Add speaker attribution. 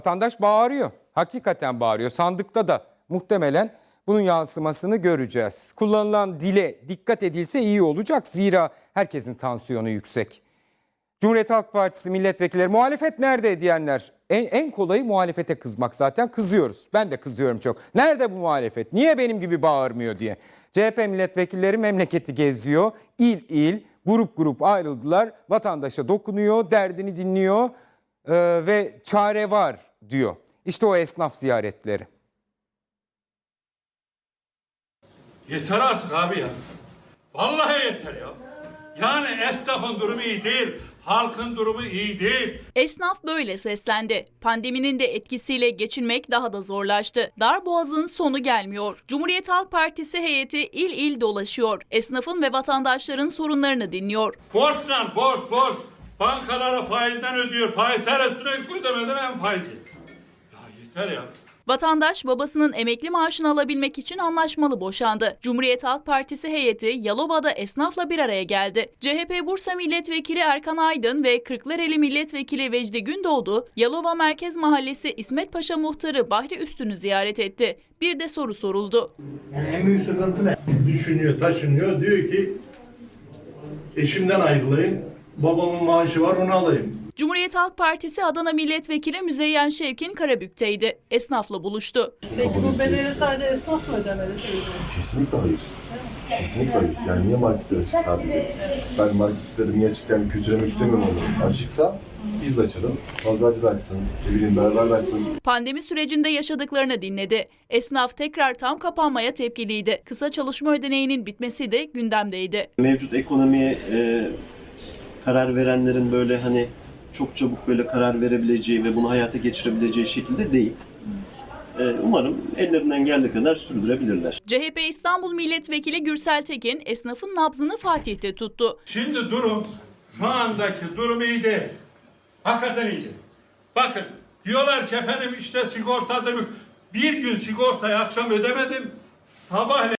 Speaker 1: Vatandaş bağırıyor. Hakikaten bağırıyor. Sandıkta da muhtemelen bunun yansımasını göreceğiz. Kullanılan dile dikkat edilse iyi olacak. Zira herkesin tansiyonu yüksek. Cumhuriyet Halk Partisi milletvekilleri muhalefet nerede diyenler. En kolayı muhalefete kızmak zaten. Kızıyoruz. Ben de kızıyorum çok. Nerede bu muhalefet? Niye benim gibi bağırmıyor diye. CHP milletvekilleri memleketi geziyor. İl il, grup grup ayrıldılar. Vatandaşa dokunuyor, derdini dinliyor ve çare var diyor. İşte o esnaf ziyaretleri.
Speaker 2: Yeter artık abi ya. Vallahi yeter ya. Yani esnafın durumu iyi değil, halkın durumu iyi değil.
Speaker 3: Esnaf böyle seslendi. Pandeminin de etkisiyle geçinmek daha da zorlaştı. Darboğaz'ın sonu gelmiyor. Cumhuriyet Halk Partisi heyeti il il dolaşıyor. Esnafın ve vatandaşların sorunlarını dinliyor.
Speaker 2: Borçlan, borç. Bankalara faizden ödüyor. Faiz her sürekli ödemeden en faizi. Ya yeter ya.
Speaker 3: Vatandaş babasının emekli maaşını alabilmek için anlaşmalı boşandı. Cumhuriyet Halk Partisi heyeti Yalova'da esnafla bir araya geldi. CHP Bursa Milletvekili Erkan Aydın ve Kırklareli Milletvekili Vecdi Gündoğdu, Yalova Merkez Mahallesi İsmet Paşa Muhtarı Bahri Üstün'ü ziyaret etti. Bir de soru soruldu.
Speaker 4: Yani en büyük sıkıntı ne? Düşünüyor, taşınıyor. Diyor ki eşimden ayrılayım, babamın maaşı var onu alayım.
Speaker 3: Cumhuriyet Halk Partisi Adana Milletvekili Müzeyyen Şevkin Karabük'teydi. Esnafla buluştu.
Speaker 5: Peki bu bedeli sadece esnaf mı ödemeli sizce?
Speaker 6: Kesinlikle hayır. Kesinlikle hayır. Yani niye marketler açık sadece? Ben marketleri niye açık yani kötülemek istemiyorum onu. Açıksa biz de açalım. Pazarcı da açsın. Ne bileyim beraber de açsın.
Speaker 3: Pandemi sürecinde yaşadıklarını dinledi. Esnaf tekrar tam kapanmaya tepkiliydi. Kısa çalışma ödeneğinin bitmesi de gündemdeydi.
Speaker 7: Mevcut ekonomiye karar verenlerin böyle hani çok çabuk böyle karar verebileceği ve bunu hayata geçirebileceği şekilde değil. Umarım ellerinden geldiği kadar sürdürebilirler.
Speaker 3: CHP İstanbul Milletvekili Gürsel Tekin esnafın nabzını Fatih'te tuttu.
Speaker 2: Şimdi durum, şu andaki durum iyi değil. Hakikaten iyi değil. Bakın diyorlar ki efendim işte sigortadır. Bir gün sigortayı akşam ödemedim. Sabah